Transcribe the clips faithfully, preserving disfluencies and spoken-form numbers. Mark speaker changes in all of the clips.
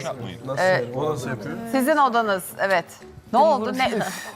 Speaker 1: yapmayın.
Speaker 2: Nasıl yani? O nasıl yapıyor?
Speaker 3: Sizin odanız, evet. Ne oldu, ne üf.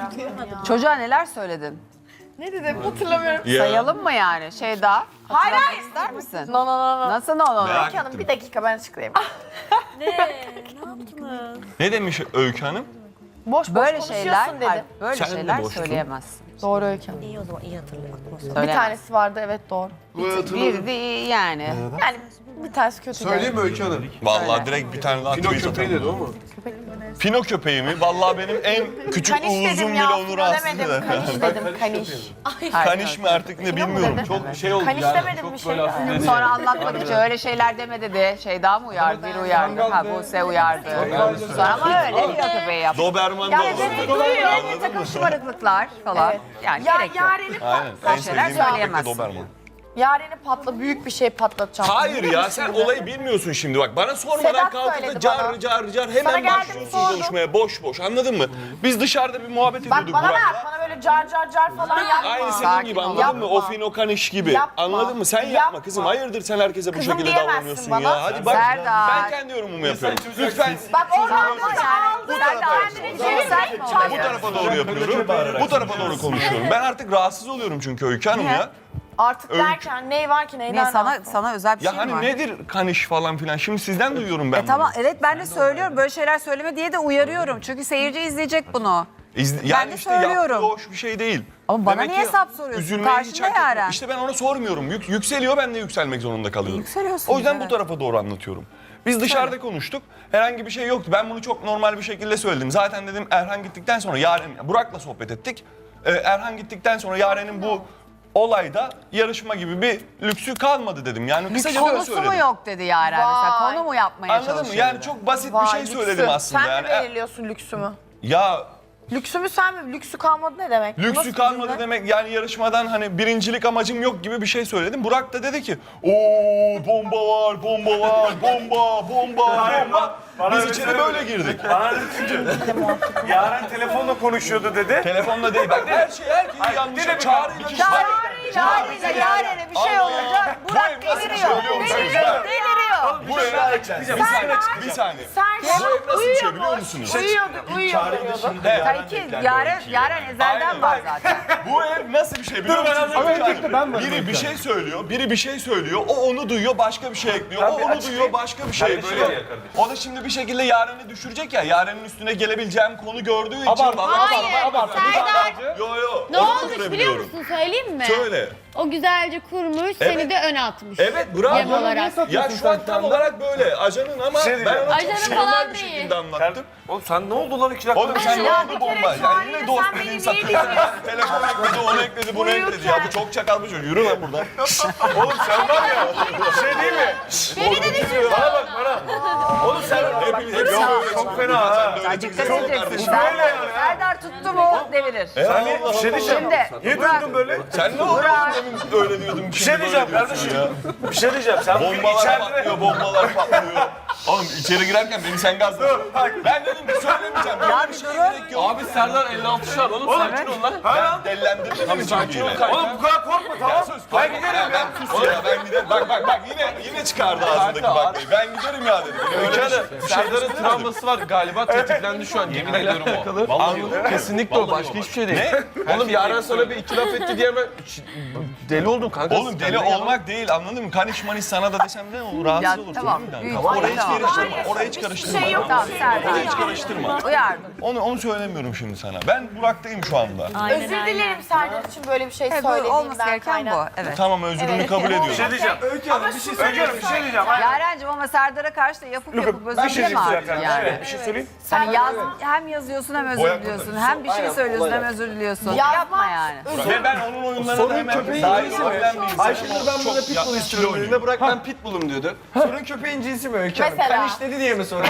Speaker 3: Çocuğa neler söyledin?
Speaker 4: Ne dedim hatırlamıyorum.
Speaker 1: Ya.
Speaker 3: Sayalım mı yani? Şey daha.
Speaker 4: Hayır,
Speaker 3: hatırlamak
Speaker 4: hayır.
Speaker 3: ister misin?
Speaker 4: No no no no.
Speaker 3: Nasıl ne olur?
Speaker 1: Merak
Speaker 4: Öykü Hanım
Speaker 1: ettim.
Speaker 4: bir dakika ben açıklayayım.
Speaker 5: Ne? Ne yaptınız?
Speaker 1: Ne demiş Öykü Hanım?
Speaker 4: Boş boş
Speaker 3: Böyle
Speaker 4: konuşuyorsun
Speaker 3: şeyler,
Speaker 4: dedim.
Speaker 3: hayır, böyle
Speaker 1: Sen de
Speaker 3: şeyler
Speaker 1: boştun.
Speaker 3: söyleyemezsin.
Speaker 4: Doğru Öykü Hanım.
Speaker 5: İyi o zaman iyi hatırlıyorum.
Speaker 4: Bir
Speaker 3: Söyleyemezsin.
Speaker 4: tanesi vardı evet doğru.
Speaker 3: Bir de yani.
Speaker 4: Yani bir tanesi kötü.
Speaker 2: Söyleyeyim mi Öykü Hanım?
Speaker 1: Vallahi direkt bir tane daha
Speaker 2: Pino
Speaker 1: tweet
Speaker 2: köpeği
Speaker 1: atalım.
Speaker 2: dedi o mu?
Speaker 1: Pino köpeği mi? Vallahi benim en küçük
Speaker 4: Kaniş
Speaker 1: uğuzum
Speaker 4: dedim
Speaker 1: bile
Speaker 4: ya.
Speaker 1: onu
Speaker 4: Fino
Speaker 1: rahatsız
Speaker 4: demedim.
Speaker 1: eder.
Speaker 4: Kaniş dedim kaniş.
Speaker 1: Kaniş mi artık ne bilmiyorum.
Speaker 4: dedi?
Speaker 1: Çok
Speaker 2: Şey oldu
Speaker 4: Kaniş demedim bir şey. yani.
Speaker 3: Sonra anlatmak için öyle şeyler deme dedi. Şey daha mı uyardı? Bir uyardı. Ha Buse uyardı. Sonra ama öyle Pino köpeği yaptı.
Speaker 1: Doberman da
Speaker 3: Yani
Speaker 1: olur.
Speaker 3: demek duyuyor. Bir takım şımarıklıklar falan.
Speaker 4: Evet.
Speaker 3: Yani
Speaker 4: Ya
Speaker 3: gerek yok.
Speaker 4: Yaren'i
Speaker 1: Aynen.
Speaker 4: patlat.
Speaker 1: En
Speaker 3: şeyler
Speaker 1: sevdiğim köpek de
Speaker 3: söyleyemezsin.
Speaker 1: Doberman.
Speaker 4: Yaren'i patla büyük bir şey patlatacağım.
Speaker 1: Hayır ya sen olayı bilmiyorsun şimdi bak. Bana sormadan
Speaker 4: Sedat
Speaker 1: kalkıp da
Speaker 4: söyledi
Speaker 1: car
Speaker 4: bana.
Speaker 1: car car
Speaker 4: Sana
Speaker 1: hemen
Speaker 4: geldim,
Speaker 1: başlıyorsun
Speaker 4: sordum.
Speaker 1: konuşmaya boş boş anladın mı? Biz dışarıda bir muhabbet
Speaker 4: Bak
Speaker 1: ediyorduk
Speaker 4: bana bak
Speaker 1: Burak'la.
Speaker 4: bana böyle car car car falan yapma.
Speaker 1: Aynı senin
Speaker 3: Sakin
Speaker 1: gibi
Speaker 3: ol.
Speaker 1: anladın mı?
Speaker 4: Yapma.
Speaker 1: O fino kaniş gibi.
Speaker 4: Yapma.
Speaker 1: Anladın mı? Sen yapma,
Speaker 4: Yapma.
Speaker 1: kızım. Hayırdır sen herkese bu
Speaker 4: Kızım
Speaker 1: şekilde
Speaker 4: diyemezsin
Speaker 1: davranıyorsun
Speaker 4: bana.
Speaker 1: ya. Hadi bak.
Speaker 3: Serdar.
Speaker 1: Ben kendi yorumumu yapıyorum. Lütfen
Speaker 4: Bak oradan da
Speaker 3: Yani
Speaker 4: aldı.
Speaker 3: sen de
Speaker 4: Kendini çevirmek
Speaker 3: sen
Speaker 1: bu tarafa doğru yapıyorum. Bu tarafa doğru konuşuyorum. Ben artık rahatsız oluyorum çünkü Öykü Hanım ya.
Speaker 4: Artık
Speaker 1: Öykü.
Speaker 4: derken ney var ki
Speaker 3: Niye
Speaker 4: neyden
Speaker 3: sana
Speaker 4: rahatsın?
Speaker 3: sana özel bir
Speaker 1: Ya
Speaker 3: şey mi
Speaker 1: hani
Speaker 3: var?
Speaker 1: nedir kaniş falan filan. Şimdi sizden duyuyorum ben
Speaker 3: E tamam
Speaker 1: bunu.
Speaker 3: evet ben de söylüyorum böyle şeyler söyleme diye de uyarıyorum. Çünkü seyirci izleyecek bunu.
Speaker 1: İzle-
Speaker 3: Ben
Speaker 1: yani
Speaker 3: de
Speaker 1: işte
Speaker 3: söylüyorum.
Speaker 1: yaptığı hoş bir şey değil.
Speaker 3: Ama bana
Speaker 1: Demek
Speaker 3: niye
Speaker 1: ki
Speaker 3: hesap soruyorsun?
Speaker 1: üzülmeyi hiç
Speaker 3: Karşında
Speaker 1: hak etmiyor.
Speaker 3: Yaren.
Speaker 1: İşte ben ona sormuyorum. Yük- yükseliyor ben de yükselmek zorunda kalıyorum.
Speaker 3: Yükseliyorsun,
Speaker 1: O yüzden
Speaker 3: evet.
Speaker 1: bu tarafa doğru anlatıyorum. Biz dışarıda konuştuk. Herhangi bir şey yoktu. Ben bunu çok normal bir şekilde söyledim. Zaten dedim Erhan gittikten sonra Yaren, Burak'la sohbet ettik. Ee, Erhan gittikten sonra Yaren'in bu olayda yarışma gibi bir lüksü kalmadı dedim. Yani kısaca böyle
Speaker 3: Konusu
Speaker 1: söyledim.
Speaker 3: mu yok dedi Yaren mesela.
Speaker 4: Vay.
Speaker 3: Konu mu yapmaya
Speaker 1: Anladın mı?
Speaker 3: çalışıyor?
Speaker 1: Yani çok basit
Speaker 4: Vay,
Speaker 1: bir şey
Speaker 4: lüksü.
Speaker 1: söyledim aslında.
Speaker 4: Sen
Speaker 1: yani.
Speaker 4: mi belirliyorsun lüksümü?
Speaker 1: Ya
Speaker 4: Lüksümü sen mi? Lüksü kalmadı ne demek? Bu nasıl
Speaker 1: lüksü
Speaker 4: bir
Speaker 1: kalmadı
Speaker 4: cümle?
Speaker 1: demek yani yarışmadan hani birincilik amacım yok gibi bir şey söyledim. Burak da dedi ki ooo bomba var, bomba var, bomba, bomba, bomba. Biz içeri böyle girdik.
Speaker 6: Bana dedi çünkü Yaren telefonla konuşuyordu dedi.
Speaker 1: Telefonla değil bak her şey herkesi yanlış. Çağrı'yla bir şey.
Speaker 3: Çağrı'yla Yaren'e bir şey olunca Burak
Speaker 1: Bu ev nasıl bir şey
Speaker 3: deliriyor.
Speaker 1: biliyor musunuz?
Speaker 3: Deliriyor. Deliriyor.
Speaker 1: Bu ev bir saniye, bir saniye.
Speaker 4: Sen
Speaker 1: Bu ev nasıl bir şey biliyor musunuz?
Speaker 4: uyuyordu, uyuyordu.
Speaker 1: He.
Speaker 3: Kanki Yaren, Yaren ezelden
Speaker 1: Aynen.
Speaker 3: var zaten.
Speaker 1: Bu ev nasıl bir şey biliyor musunuz?
Speaker 2: Öncelikle ben varım.
Speaker 1: Biri bir şey söylüyor, biri bir şey söylüyor, o onu duyuyor, başka bir şey ekliyor, o onu
Speaker 6: açıklayayım.
Speaker 1: duyuyor, başka bir şey
Speaker 6: Kardeşim
Speaker 1: böyle.
Speaker 6: var ya kardeşim.
Speaker 1: O da şimdi bir şekilde Yaren'i düşürecek ya, Yaren'in üstüne gelebileceğim konu gördüğü için...
Speaker 2: Abartma,
Speaker 1: Vallahi-
Speaker 2: abartma, abartma.
Speaker 5: Serdar
Speaker 1: Yo yo,
Speaker 5: ne
Speaker 1: onu da
Speaker 5: olmuş biliyor
Speaker 1: görebiliyorum.
Speaker 5: musun söyleyeyim mi?
Speaker 1: Söyle.
Speaker 5: O güzelce kurmuş seni de ön atmış.
Speaker 1: Evet, bravo.
Speaker 5: Yem olarak.
Speaker 1: Ya şu an tam olarak böyle, ajanın ama
Speaker 6: şey
Speaker 1: ben
Speaker 6: diyeceğim.
Speaker 1: ona
Speaker 5: Ajanın
Speaker 1: çok
Speaker 5: falan
Speaker 1: normal bir
Speaker 5: değil.
Speaker 1: şekilde anlattım.
Speaker 6: Oğlum sen ne oldu lan iki dakika?
Speaker 1: Oğlum sen ne
Speaker 4: Ya
Speaker 1: oldu
Speaker 4: bir
Speaker 1: bomba?
Speaker 4: kere
Speaker 1: Yani
Speaker 4: Çağrı'yla
Speaker 1: yine dost
Speaker 4: sen
Speaker 1: dediğin
Speaker 4: beni
Speaker 1: sakın.
Speaker 4: niye dinliyorsun?
Speaker 1: Telefon ekledi, onu ekledi, bunu ekledi. Ya bu çok çakal bir çocuk. Yürü lan buradan.
Speaker 6: Oğlum sen var ya bir şey değil mi?
Speaker 5: Beni de düşürdü.
Speaker 6: Bana bak bana. Oğlum sen
Speaker 1: Hepiniz hepsi
Speaker 6: Yok,
Speaker 1: böyle
Speaker 6: çok
Speaker 1: çıkıyor.
Speaker 6: fena ha.
Speaker 1: Sen de öyle
Speaker 3: Dikkat
Speaker 1: çıkıyorsun
Speaker 3: edeceksin.
Speaker 1: kardeşim.
Speaker 3: Serdar, Serdar tuttu mu devirir.
Speaker 6: Sen bir şey diyeceğim.
Speaker 3: Şimdi
Speaker 6: Niye
Speaker 3: Burak,
Speaker 6: durdun böyle?
Speaker 1: Sen ne oldu demin öyle diyordun.
Speaker 6: Bir şey diyeceğim kardeşim. Bir şey diyeceğim. Sen bugün
Speaker 1: Bombalar
Speaker 6: içeride...
Speaker 1: patlıyor, bombalar patlıyor. Oğlum içeri girerken beni sen gazladın. Ben dedim ki söylemeyeceğim. Böyle bir şeye gerek yok.
Speaker 7: Abi Serdar elli altı şart oğlum sakin ol lan.
Speaker 1: Ben dellendirdim. Tabii sakin ol.
Speaker 6: Oğlum bu kadar korkma tamam.
Speaker 1: Ben giderim ya. Ben sus ya. Ben giderim. Bak bak bak yine yine çıkardı ağzındaki baklayı. Ben giderim ya dedim. Öyle bir şey- bir şey
Speaker 7: Serdar'ın
Speaker 1: söylemedim.
Speaker 7: travması var galiba tetiklendi şu an yemin ediyorum o.
Speaker 1: Anladım.
Speaker 7: Kesinlikle o başka hiçbir şey değil. Oğlum Yaren sana bir iki laf etti diye ben deli oldum kanka.
Speaker 1: Oğlum deli olmak değil anladın mı? Kaniş maniş sana da desem ne olur? Rahatsız
Speaker 3: Ya,
Speaker 1: olursun
Speaker 3: tamam,
Speaker 1: değil mi?
Speaker 3: büyük
Speaker 1: Tamam. Oraya hiç
Speaker 3: tamam.
Speaker 1: karıştırma. Oraya hiç karıştırma.
Speaker 4: şey yok.
Speaker 3: Tamam Serdar.
Speaker 1: Oraya hiç karıştırma.
Speaker 3: Uyardım.
Speaker 1: Onu onu söylemiyorum şimdi sana. Ben Burak'tayım şu anda.
Speaker 4: Özür dilerim Serdar için böyle bir şey
Speaker 3: Evet, bu
Speaker 4: söylediğimden
Speaker 3: olması gereken bu.
Speaker 4: kaynak.
Speaker 3: Evet.
Speaker 1: Tamam özrünü
Speaker 4: Evet.
Speaker 1: kabul
Speaker 6: Bir
Speaker 1: ediyorum.
Speaker 6: şey diyeceğim.
Speaker 2: Öykü Hanım bir şey
Speaker 6: Öykü Hanım bir şey diyeceğim. Hayır.
Speaker 3: Yaren'cim ama Serdar'a karşı da yapıp yapıp özür
Speaker 6: Bir şey
Speaker 3: dileme
Speaker 6: diyeceğim.
Speaker 3: artık yani.
Speaker 6: Evet, bir şey söyleyeyim.
Speaker 3: Hani yaz, hem yazıyorsun hem özür
Speaker 1: Boyak
Speaker 3: diliyorsun.
Speaker 1: burada.
Speaker 3: Hem bir şey söylüyorsun hem özür diliyorsun.
Speaker 4: Yazma,
Speaker 3: Yapma yani.
Speaker 1: Ve ben onun oyunlarına da
Speaker 2: Sorun
Speaker 1: hemen
Speaker 2: köpeğin
Speaker 1: dahil
Speaker 2: cinsi mi?
Speaker 1: olabilen bir insanım.
Speaker 2: Ayşenur ben
Speaker 1: Çok
Speaker 2: burada pitbull
Speaker 1: yapmış
Speaker 2: istiyorum
Speaker 1: oynuyor.
Speaker 2: dediğinde Burak ben pitbullum diyordu. Sorun köpeğin cinsi mi Öykü Hanım?
Speaker 4: Mesela.
Speaker 2: Kaniş dedi diye mi sorun ya?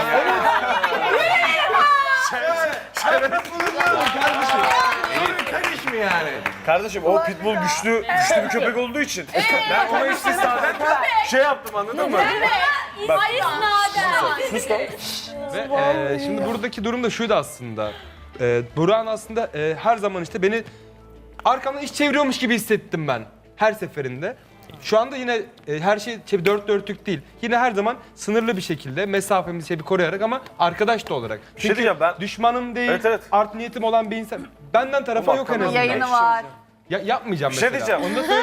Speaker 2: Şeref bunu diyorum kardeşim. Sorun kaniş mi yani?
Speaker 6: Kardeşim o pitbull güçlü güçlü bir köpek olduğu için ben ona istisnaden şey yaptım anladın mı?
Speaker 5: Hayır naden.
Speaker 6: Sus lan.
Speaker 7: Ve e, şimdi buradaki durum da şuydu aslında. E, Burak'ın aslında e, her zaman işte beni arkamdan iş çeviriyormuş gibi hissettim ben her seferinde.
Speaker 8: Şu anda yine e, her şey, şey dört dörtlük değil. Yine her zaman sınırlı bir şekilde mesafemizi şey bir koruyarak ama arkadaş da olarak. Çünkü
Speaker 6: diyeceğim, ben-
Speaker 8: düşmanım değil,
Speaker 6: Evet, evet.
Speaker 8: art niyetim olan bir insan. Benden tarafa
Speaker 6: Bak,
Speaker 8: yok en
Speaker 6: tamam.
Speaker 8: azından.
Speaker 3: Yayını var.
Speaker 8: Ya, yapmayacağım
Speaker 6: Bir şey
Speaker 8: mesela.
Speaker 6: diyeceğim.
Speaker 8: Onu da söyleyeyim.